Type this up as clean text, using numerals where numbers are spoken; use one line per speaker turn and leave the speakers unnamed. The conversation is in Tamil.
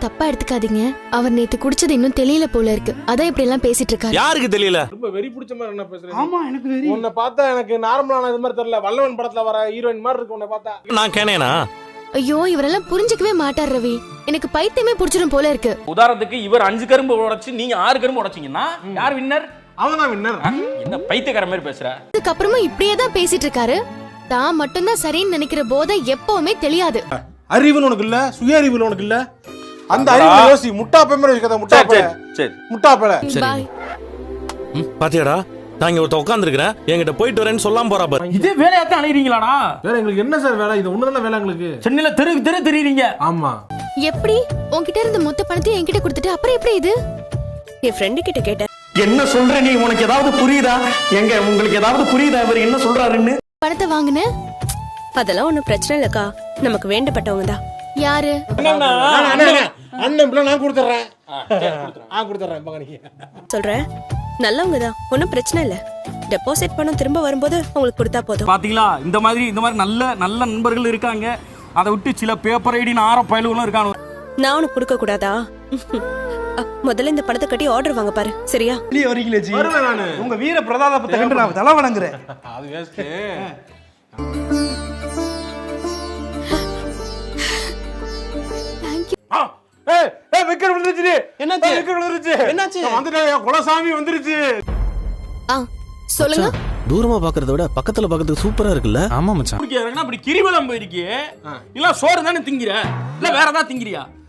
தப்பா எடுத்துக்காதீங்க. அவர் நேத்து குடிச்சது இன்னும் தெரியல போல இருக்கு. அதான் இப்படி எல்லாம் பேசிட்டு இருக்காரு.
யாருக்கு தெரியல?
ரொம்ப வெறி பிடிச்ச மாதிரி என்ன பேசுறீங்க?
ஆமா எனக்கு வெறி.
உன்னை பார்த்தா எனக்கு நார்மலான இது மாதிரி தெரியல. வல்லவன் படத்துல வர ஹீரோயின் மாதிரி இருக்கு உன்னை பார்த்தா.
நான் கேனேனா?
ஐயோ, இவரெல்லாம் புரிஞ்சுக்கவே மாட்டார் ரவி. எனக்கு பைத்தியமே புடிச்சிடும் போல இருக்கு.
உதாரணத்துக்கு இவர் 5 கரும்பு உடைச்சு நீங்க 6 கரும்பு உடைச்சீங்கன்னா யார் வின்னர்?
அவன்தான் வின்னர்.
என்ன பைத்தியக்கார மாதிரி பேசுற?
அதுக்கப்புறமா இப்படியே தான் பேசிட்டு இருக்காரு. தான் மட்டும்தான் சரின்னு நினைக்கிற போதை எப்பவுமே தெரியாது.
அறிவுன்னு உனக்கு இல்ல, சுய அறிவுல உனக்கு இல்ல. அந்த அறிவு யோசி. முட்டா பேமர யோசிக்காத. முட்டா பேல.
சரி
முட்டா பேல.
பாய்.
பாத்தியாடா, நான் இங்க ஒருத்த உட்காந்துருக்கிறேன், என்கிட்ட போயிட்டு வரேன்னு சொல்லாம போறா பாரு.
இதே வேலையாத்தான் அலையறீங்களாடா?
வேற எங்களுக்கு என்ன சார் வேலை? இது ஒண்ணுதான வேலை எங்களுக்கு.
சென்னையில தெரு தெரியுறீங்க.
ஆமா.
எப்படி உன்கிட்ட இருந்த மொத்த பணத்தையும் என்கிட்ட கொடுத்துட்டு அப்புறம் எப்படி இது?
என் ஃப்ரெண்டு கிட்ட கேட்டேன்.
என்ன சொல்ற நீ? உனக்கு ஏதாவது புரியுதா? எங்க உங்களுக்கு ஏதாவது புரியுதா இவர் என்ன சொல்றாருன்னு?
பணத்தை வாங்குன?
அதெல்லாம் ஒண்ணும் பிரச்சனை இல்லக்கா, நமக்கு வேண்டப்பட்டவங்க தான்.
யாரு?
அண்ணன் பிள்ளை நான் கொடுத்துறேன். நான் கொடுத்துறேன் மகனிக்கு.
சொல்றேன், நல்லவங்க தான், ஒன்னும் பிரச்சனை இல்ல. டெபாசிட் பணம் திரும்ப வரும்போது உங்களுக்கு கொடுத்தா போதும்.
பாத்தீங்களா, இந்த மாதிரி நல்ல நண்பர்கள் இருக்காங்க. அதை விட்டு சில பேப்பர் ஐடின்னு ஆற பயலுகளும் இருக்காங்க.
நான் உனக்கு கொடுக்க கூடாதா? முதல்ல இந்த பணத்தை கட்டி ஆர்டர் வாங்க பாரு, சரியா?
வெளியே வரீங்களே ஜி.
வருவேன் நானு.
உங்க வீர பிரதாபத்தை கண்டு நான் தலை வணங்குறேன்.
அது வேஸ்ட். ஏய் விக்கெட் விழுந்துச்சு.
என்னாச்சு?
விக்கெட் விழுந்துச்சு.
என்னாச்சு?
வந்துட்டேன். குலசாமி வந்துருச்சு.
சொல்லுங்க.
தூரமா பாக்குறத விட பக்கத்துல பாக்கிறதுக்கு சூப்பரா இருக்குல்ல? ஆமா மச்சான்.
அப்படி கிரிவலம் போயிருக்கே, இல்ல சோறு தானே திங்கிற, இல்ல வேற ஏதாவது திங்கிறியா?